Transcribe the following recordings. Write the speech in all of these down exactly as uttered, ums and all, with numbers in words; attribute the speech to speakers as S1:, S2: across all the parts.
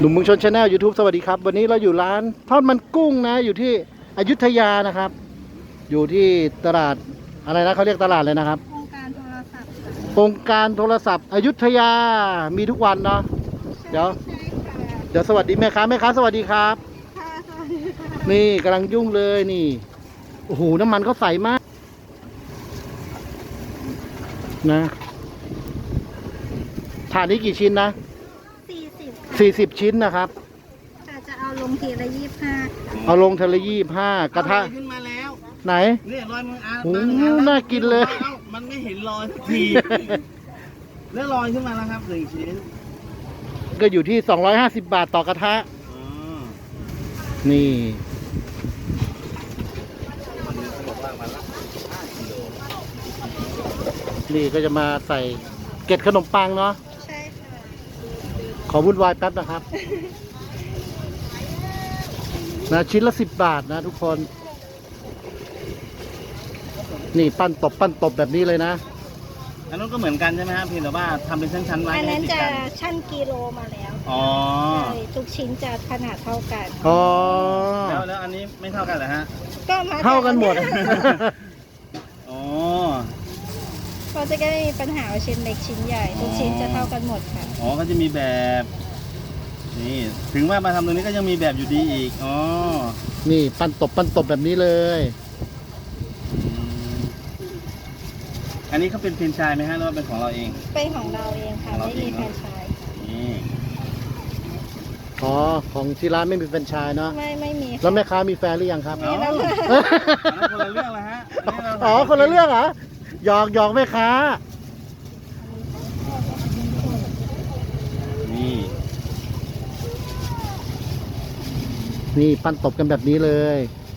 S1: หนุ่มเมืองชนชาแนล ยูทูบ สวัสดีครับวันนี้เราอยู่ร้านทอดมันกุ้งนะอยู่ที่อยุธยานะครับ อยู่ที่ตลาดอะไรนะเขาเรียกตลาดเลยนะครับ
S2: โครงการโทรศัพท์
S1: โครงการโทรศัพท์อยุธยามีทุกวันเนาะเดี๋ยวเดี๋ยวสวัสดีแม่ค้าแม่ค้าสวัสดีครับ
S2: ค่ะสวัสดีค่ะ
S1: นี่กำลังยุ่งเลยนี่โอ้โหน้ำมันเขาใสมากนะถาดนี้กี่ชิ้นนะ
S2: สี่สิบ
S1: สี่สิบชิ้นนะครับ
S2: ค่ะจะเอาลงทีละยี่สิบห้า
S1: เอาลงทะเลยี่สิบห้ากระทะ
S3: ขึ้นมาแล้ว
S1: ไหน
S3: เนี่ยรอยมืออา
S1: โอ้โหน่ากินเลย
S3: มันไม่เห็นรอยสักทีแล้วรอยขึ้นมาแล้วครับหนึ่งชิ้น
S1: ก็อยู่ที่สองร้อยห้าสิบบาทต่อกระทะนี่นี่ก็จะมาใส่เกล็ดขนมปังเนาะ
S2: ใช่ค่ะ
S1: ขอวุ่นวายแป๊บนะครับนะชิ้นละสิบบาทนะทุกคนนี่ปั้นตบปั้นตบแบบนี้เลยนะ
S3: อันนั้นก็เหมือนกันใช่ไหมครับเพียงแต่ว่าทำเป็นชั้นๆไว้
S2: อันนั้นจะชั่นกิโลมาแล้ว
S3: อ๋อ
S2: ใช่ทุกชิ้นจะขนาดเท่ากัน
S1: อ๋อ
S3: แล้วแล้วอันนี้ไม่เท่ากันเหรอฮะ
S2: ก็มา
S1: เท่ากันหมด
S3: อ๋อ
S2: เราจะไม่มีปัญหาว่าชิ้นเล็กชิ้นใหญ่ทุกชิ้นจะเท่ากันหมดค่ะ
S3: อ๋อก็จะมีแบบนี่ถึงว่ามาทำตรงนี้ก็ยังมีแบบอยู่ดีอีกอ๋อ
S1: นี่ปั้นตบปั้นตบแบบนี้เลย
S3: อันนี้เขาเป็นแฟรนไชส์ไหมฮะหรือว่าเป็นของเราเอง
S2: เป็นของเราเองค่ะไม่มีแฟรนไชส์
S3: นี่
S1: อ๋อของที่ร้านไม่มีแฟรนไชส์เนาะ
S2: ไม่ไม่มี
S1: แล้วแม่ค้ามีแฟนหรือยังครับ
S3: อ๋อคนละเรื่องเลยฮะ
S1: อ๋อคนละเรื่องเหรอหยอกหยอกแม่ค้า
S3: นี่
S1: นี่ปั้นตบกันแบบนี้เลย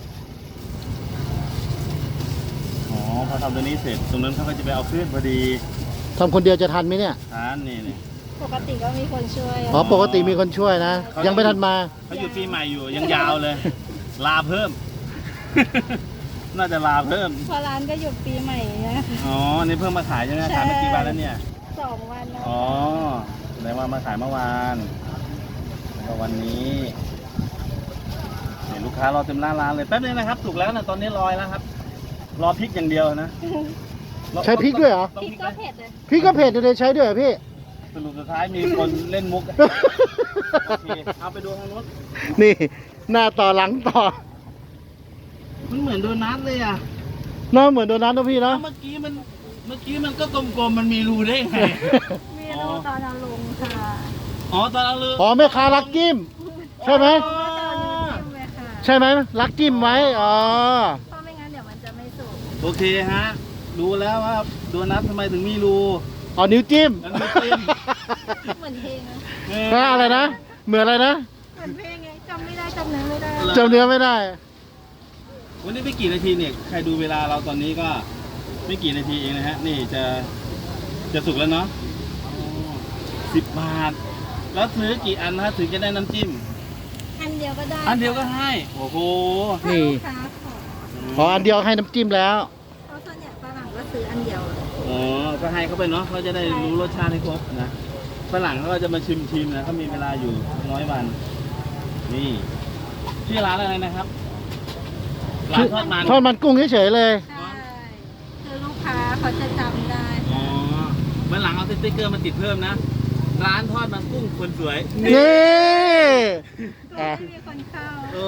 S3: อ๋อพอทำตัวนี้เสร็จตรงนั้นเขาก็จะไปเอาขึ้นพอดี
S1: ทำคนเดียวจะทันไหมเนี่ย
S3: ทันนี่นี่
S2: ปกติก็มีคนช่วย
S1: อ๋อปกติมีคนช่วยนะยังไม่ทันมา
S3: เขาอยู่ปีใหม่อยู่ยังยาวเลยลาเพิ่มน่าจะลาเพิ่ม
S2: พอร้านก็หยุดปีใหม่นะ
S3: อ๋อนี่เพิ่งมาขายใช่ไหมขายมากี่วันแล้วเนี่ย
S2: สองวันแล้ว
S3: อ๋อแสดงว่ามาขายเมื่อวานแล้วก็วันนี้เห็นลูกค้ารอเต็มหน้าร้านเลยแป๊บนึงนะครับถูกแล้วนะตอนนี้ลอยแล้วครับรอพริกอย่างเดียวนะ
S1: ใช้พริกด้วยเหรอ
S2: พริกก็เผ็ดเลย
S1: พริกก็เผ็ดเลยใช้ด้วยเหรอพี่
S3: สรุปสุดท้ายมีคนเล่นมุกโอเคเอาไปดูทางนู้น
S1: นี่หน้าต่อหลังต่อ
S3: มันเหมือนโดนัทเลยอ่ะ
S1: น้องเหมือนโดนัทนะพี่เนาะ
S3: เมื่อกี้มันเมื่อกี้มันก็กลมๆมันมีรูได้ไง
S2: มีรูตอนเอาลงค่ะ
S3: อ๋อตอนเอาลง
S1: อ๋อแม่ค้ารักกิ้มใช่ไหมใช่ไหมรักกิ้มไว้อ๋อ
S2: เพราะไม่งั้นเดี๋ยวมันจะไม่สุก
S3: โอเคฮะดูแล้วว่าโดนัททำไมถึงมีรู
S1: อ๋อนิ้วจิ้ม
S2: เหมือนเพลง
S1: นะอะไรนะเหมือนอะไรนะ
S2: เหมือนเพลงไงจำไม่ได้จำเนื้อไม่ได้
S1: จำเนื้อไม่ได้
S3: วันนี้ไม่กี่นาทีเนี่ยใครดูเวลาเราตอนนี้ก็ไม่กี่นาทีเองนะฮะนี่จะจะสุกแล้วเนาะสิบบาทแล้วซื้อกี่อันนะถึงจะได้น้ำจิ้ม
S2: อันเดียวก็ได้
S3: อันเดียวก็ให้โอ้โห
S1: นี่ขออันเดียวให้น้ำจิ้มแล้ว
S2: เพราะส่วนใหญ่ฝรั่งก็ซื้ออันเดียว
S3: อ๋อก็ให้เขาไปเนาะเขาจะได้รู้รสชาติให้ครบนะฝรั่งเขาก็จะมาชิมชิมนะเขามีเวลาอยู่น้อยวันนี่ที่ร้านอะไรนะครับร้านทอดมัน
S1: ทอดมันกุ้งเฉยๆเลย
S2: ใช่คือลูกค้าเขาจะจำได้
S3: อ๋อเมื่อหลังเอาสติ๊กเกอร์มาติดเพิ่มนะร้านทอดมันกุ้งคนสวย
S1: นี่
S2: ก็ไม่มีคนเข้า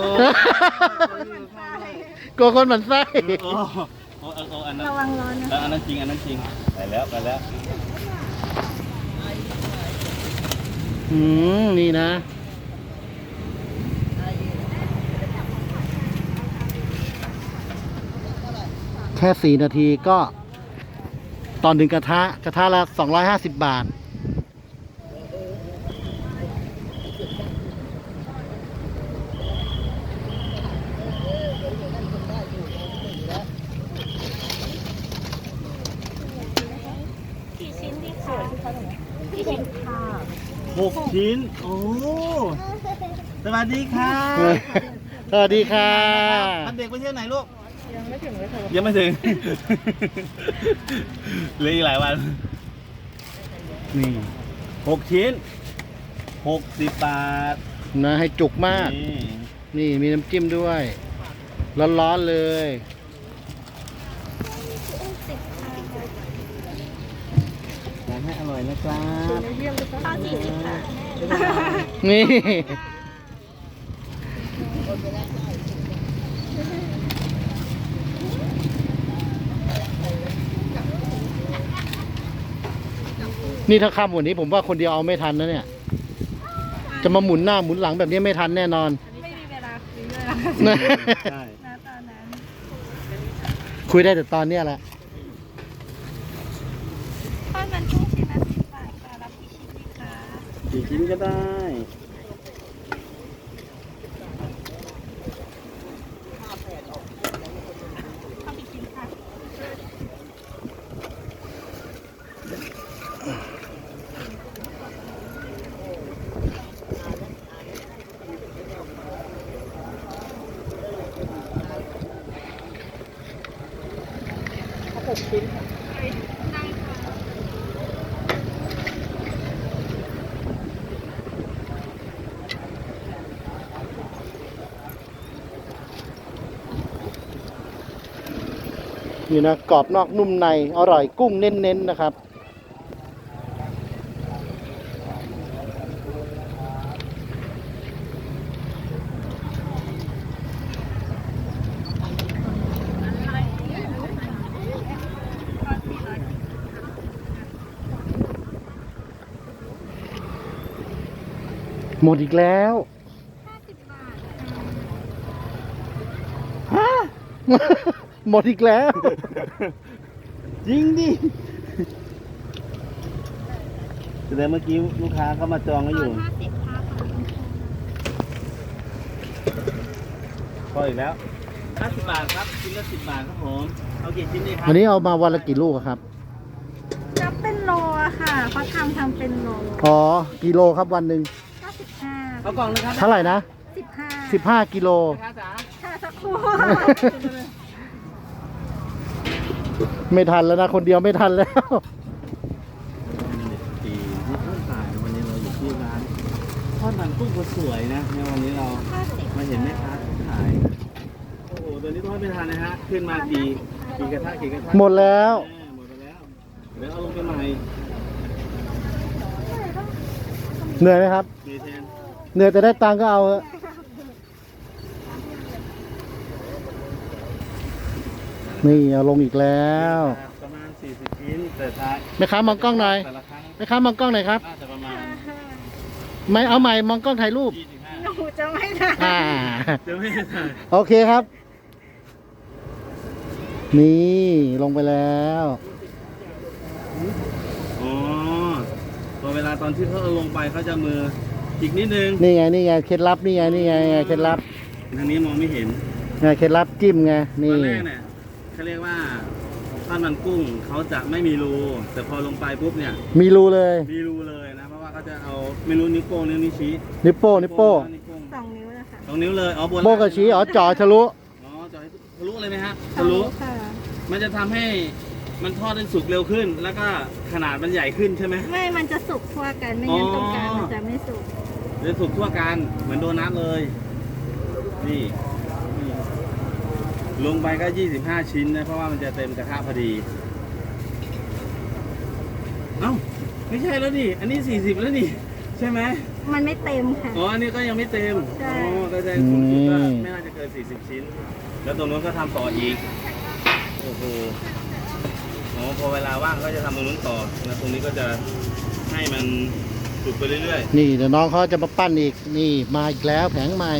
S1: กลัวคนหมั่นไส้
S3: โอ้โอ้โอ้อันนั้น
S2: ระวังร้อนนะ
S3: อันนั้นจริงอันนั้นจริงไปแล้วไปแล้ว
S1: อืมนี่นะแค่สี่นาทีก็ตอนหนึ่งกระทะกระทะละสองร้อยห้าสิบบาท
S2: กี่ชิ้นดีคะกี่ชิ้นค่ะ
S3: หกชิ้นโอ้สวัสดีค่ะ
S1: สวัสดีค่ะ
S3: เด็กไปเที่ยวไหนลูก
S2: ยังไม่ถึงเลยค่ะ
S3: ยังไม่ถึงเหลืออีกหลายวันนี่หกชิ้นหกสิบบาท
S1: นะให้จุกมาก
S3: นี่
S1: นี่มีน้ำจิ้มด้วย ร้อนๆเลย
S3: ทานให้อร่อยนะครับ
S2: ข้าวสี่สิบค่ะ
S1: นี่ นี่ถ้าค่ำกว่านี้ผมว่าคนเดียวเอาไม่ทันนะเนี่ย จะมาหมุนหน้าหมุนหลังแบบนี้ไม่ทันแน่นอน
S2: ไม่มีเวลาคุยด้วยแล้ว
S3: ใช่
S2: ณตอนนั้น
S1: คุยได้แต่ตอนเนี้ยแหละ
S2: ทอดมันกุ้งชิ้นละสิบบาทค่ะรับกี่ชิ้นดีคะ
S3: กี่ชิ้นก็ได้
S2: เข้าไปกินค่ะ
S1: นี่นะกรอบนอกนุ่มใน อร่อยกุ้งเน้นๆนะครับ หมดอีกแล้ว
S2: ห้าสิบบาท
S1: ฮะ หมดอีกแล้ว
S3: จริงดิแสดงเมื่อกี้ลูกค้าเข้ามาจองไว้อยู่
S2: ห้าสิบค่ะ
S3: พออีกแล้วห้าสิบบาทครับชิ้นละสิบบาทครับผม เอากี่ชิ้นดีครั
S1: อันนี้เอามาวันละกี่ลูกอะครับ
S2: นับเป็นโลอะค่ะเขาทำทำเป็นโล
S1: อ๋อ กิโลครับวันหนึ่ง
S2: เก้าสิบห้า
S3: เอากล่องนึงครับ
S1: เท่าไหร่นะ
S2: สิบห้า
S1: สิบห้ากิโล
S3: ลูกค้าจ๋า
S2: ค่ะสักครู่
S1: ไม่ทันแล้วนะ คนเดียวไม่ทันแล้ว
S3: ปีที่เพิ่งขายวันนี้เราอยู่ที่ร้านทอดมันกุ้งสวยๆนะในวันนี้เรา
S2: ห้าสิบ
S3: มาเห็นแม่ค้าขาย โอ้โหตัวนี้ทอดไม่ทันนะฮะ ขึ้นมากี่กี่กระทะกี่กระทะ
S1: หมดแล้ว
S3: แม่หมดไปแล้ว เดี๋ยวเอาลงไปใหม่
S1: เหนื่อยไหมครับ
S3: มีแทน
S1: เหนื่อยแต่ได้ตังค์ก็เอาเถอะนี่เอาลงอีกแล้ว
S3: ประมาณสี่สิบชิ้นแต่ท้าย
S1: แม่ค้ามองกล้องหน่อย
S3: แต่ละครั้ง
S1: แม่ค้ามองกล้องหน่อยครับ
S3: น่าจะประมาณ
S1: ไม่เอาใหม่มองกล้องถ่ายรูป
S3: ยี่สิบห้า
S2: หนูจะไม่ได้
S1: อ่า
S3: จะไม่ได้ถ่าย
S1: โอเคครับ นี่ลงไปแล้ว
S3: อ๋อพอเวลาตอนที่เขาเอาลงไปเขาจะมืออีกนิดนึง
S1: นี่ไงนี่ไงเคล็ดลับนี่ไงนี่ไงนี่ไงเคล็ดลับ
S3: ทางนี้มองไม่เห็น
S1: ไงเคล็ดลับจิ้มไง
S3: ต
S1: นี่
S3: อนแรกเนี่ยเขาเรียกว่าทอดมันกุ้งเขาจะไม่มีรูแต่พอลงไปปุ๊บเนี่ย
S1: มีรูเลย
S3: มีรูเลยนะเพราะว่าเขาจะเอาไม่รู้นิ้วโป้งนิ้วนิ้วชี้
S1: นิปโป้นิปโป้
S3: นิ้วโป้ง
S2: สองนิ้วนะคะ
S3: สองนิ้วเลยอ๋อบน
S1: โป้กับชี้อ๋อจ่อทะลุ
S3: อ๋อจ่อให้ทะลุเลยไหมฮะทะลุ
S2: ค่ะ
S3: มันจะทำให้มันทอดได้สุกเร็วขึ้น แล้วก็ขนาดมันใหญ่ขึ้นใช่ไหม
S2: ไม่มันจะสุกทั่วกัน ไม่งั้นตรงกลางมันจะไม่สุก
S3: จะสุกทั่วกันเหมือนโดนัทเลย นี่นี่ลงไปก็ยี่สิบห้าชิ้นนะเพราะว่ามันจะเต็มกระทะพอดี เอ้าไม่ใช่แล้วนี่อันนี้สี่สิบแล้วนี่ใช่ไหม
S2: มันไม่เต็มค่ะ
S3: อ๋ออันนี้ก็ยังไม่เต็ม
S2: ใช่
S3: อ๋อก็จะคุณคิดว่าไม่น่าจะเกินสี่สิบชิ้น แล้วตรงนู้นก็ทำต่ออีกโอ้โหอ๋อพอเวลาว่างก็จะทำตรงนู้นต่อแล้วตรงนี้ก็จะให้มันสุกไปเรื่อยๆ
S1: นี่เดี๋ยวน้องเขาจะมาปั้นอีก นี่มาอีกแล้วแผงใหม่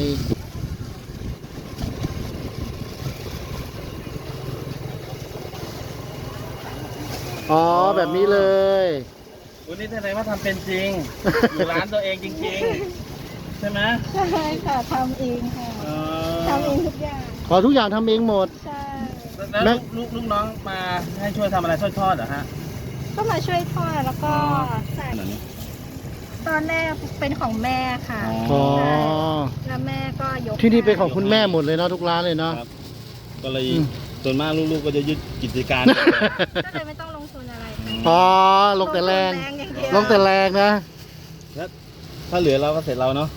S1: อ๋อแบบนี้เลย
S3: วันนี้แสดงว่าทำเป็นจริง อยู่ร้านตัวเองจริงๆ ใช่ไหม
S2: ใช่ค่ะทำเองค่ะ
S3: เออ
S2: ทำเองทุกอย่าง
S1: ขอทุกอย่างทำเองหมด
S2: ใช่
S3: แล้วลูกลูกน้องมาให้ช่วยทำอะไรทอดทอดเหรอฮะ
S2: ก็มาช่วยทอดแล้วก็ใส่
S3: ขนาดนี้
S2: ตอนแรกเป็นของแม่ค่ะ
S1: อ๋อ
S2: ใช่แล้วแม่ก็ยก
S1: ที่นี่เป็นของคุณแม่หมดเลยเนาะทุกร้านเลยเนาะ
S3: ครับ ก็เลย
S1: อืม
S3: ส่วนมากลูกๆก็จะยึดกิจการ
S2: ก็เลยไม่ต้องลงทุนอะไร
S1: อ๋อลงแต่แรง
S2: ลงทุนอย่างเดียว
S1: ลงแต่แรงนะ
S3: ถ้าเหลือเราก็เสร็จเราเนาะ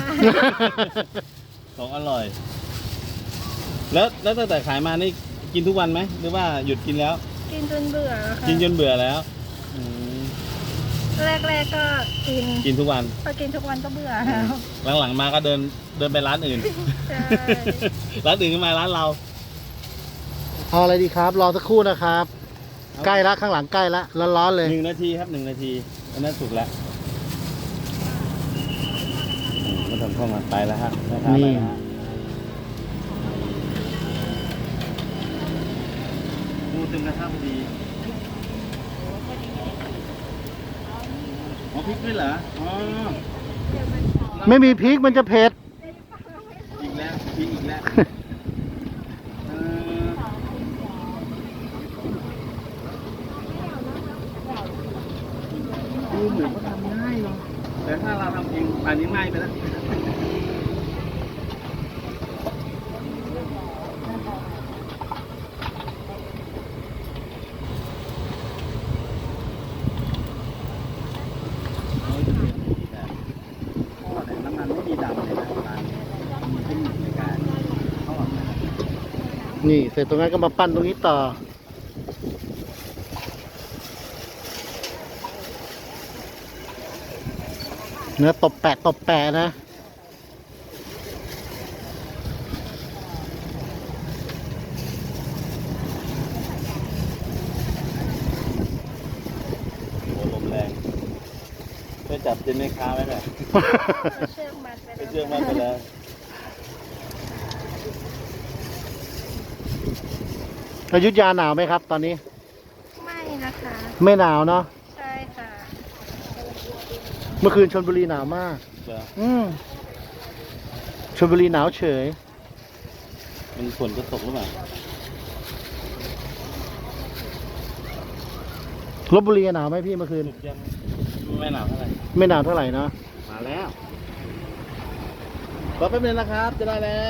S3: ของอร่อย แล้วแล้วตั้งแต่ขายมานี่กินทุกวันไหมหรือว่าหยุดกินแล้ว
S2: กินจนเบื่อแล้วค่ะ
S3: กินจนเบื่อแล้วอืม
S2: แรกๆก็กิน
S3: กินทุกวัน
S2: พอกินทุกวันก็เบื่อแล้ว
S3: หลังๆมาก็เดินเดินไปร้านอื่น
S2: ใช่
S3: ร้านอื่นก็มาร้านเรา
S1: เอาอะไรดีครับ รอสักครู่นะครับ ใกล้ละข้างหลังใกล้ละร้อนๆเลย
S3: หนึ่งนาทีครับหนึ่งนาทีอันนั้นสุกแล้วอืมมาทำเข้ามาไปแล้วฮะแม่ค้าไปแล้วฮะดูตึงกระทะพอดีอ๋อพริกด้วยเหรออ๋อ
S1: ไม่มีพริกมันจะเผ็ด
S3: อีกแล้วพริกอีกแล้วเออดูเหมือนว่าทำง่ายเนาะแต่ถ้าเราทำเองป่านนี้ง่ายไปแล้ว น้ำมันไม่มีดำเลยนะร้านนี้มีเทคนิคในการทอดนะครับ
S1: นี่เสร็จตรงนั้นก็มาปั้นตรงนี้ต่อ เนื้อตบแปะตบแปะนะ
S3: โอ้ลมแรงช่วยจับจินแม่ค้าไว้หน่อย
S2: เอาเชือกมัดไป
S3: ไป
S2: แล้ว
S3: เชื่อมันไปแล้ว
S1: อยุธยาหนาวไหมครับ ตอนนี้
S2: ไม่นะคะ
S1: ไม่หนาวเนาะ
S2: ใช่ค่ะ
S1: เมื่อคืนชลบุรีหนาวมาก
S3: เดี๋ยว
S1: อืมชลบุรีหนาวเฉย
S3: มันฝนจะตกหรือเปล่า
S1: ลบบุรีหนาวไหมพี่เมื่อคืน
S3: สุกยังไม่หนาวเท่าไหร่
S1: ไม่หนาวเท่าไหร่เนาะ
S3: มาแล้วรอแป๊บนึงนะครับ จะได้แล้ว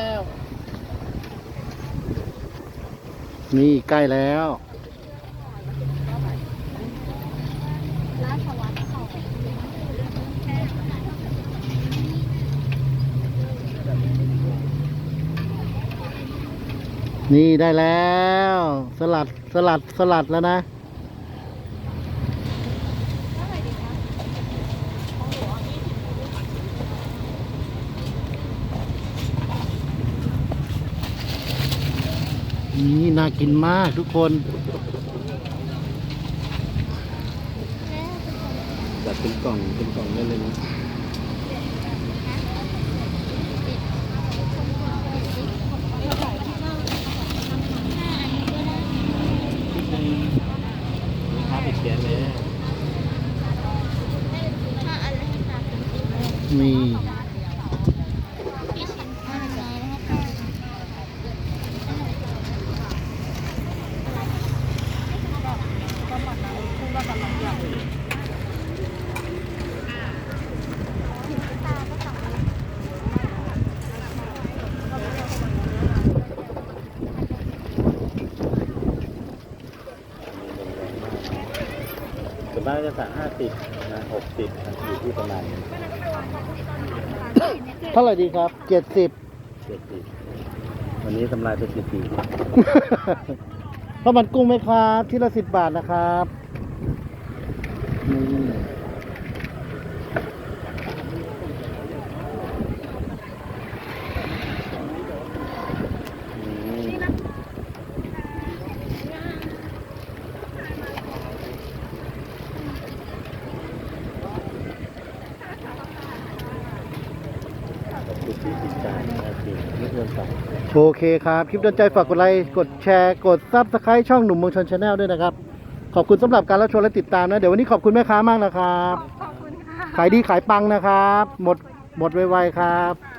S1: นี่ใกล้แล้ว นี่ได้แล้ว สลัดสลัดสลัดแล้วนะ นี่น่ากินมากทุกคน
S3: จัดเป็นกล่องเป็นกล่องได้เลยนะลูกค้าติดแก๊สเลย
S1: นี่
S3: ส่วนมากจะสั่งห้าสิบนะหกสิบอยู่ที่ประมาณ
S1: เท่าไหร่ดีครับเจ็ดสิบ
S3: เจ็ดสิบวันนี้ทำลายไปสิบปี
S1: ข้าวมันกุ้งไหมครับที่ละสิบบาทนะครับนี่
S3: สิบสี่สิบจานนะจริงไม่เกินสอง
S1: โอเคครับ คลิปโดนใจฝากกดไลค์กดแชร์กดซับสไครต์ช่องหนุ่มเมืองชนชาแนลด้วยนะครับ ขอบคุณสำหรับการรับชมและติดตามนะ เดี๋ยววันนี้ขอบคุณแม่ค้ามากนะครับ
S2: ขอบคุณค่ะ
S1: ขายดีขายปังนะครับ หมดหมดไวๆครับ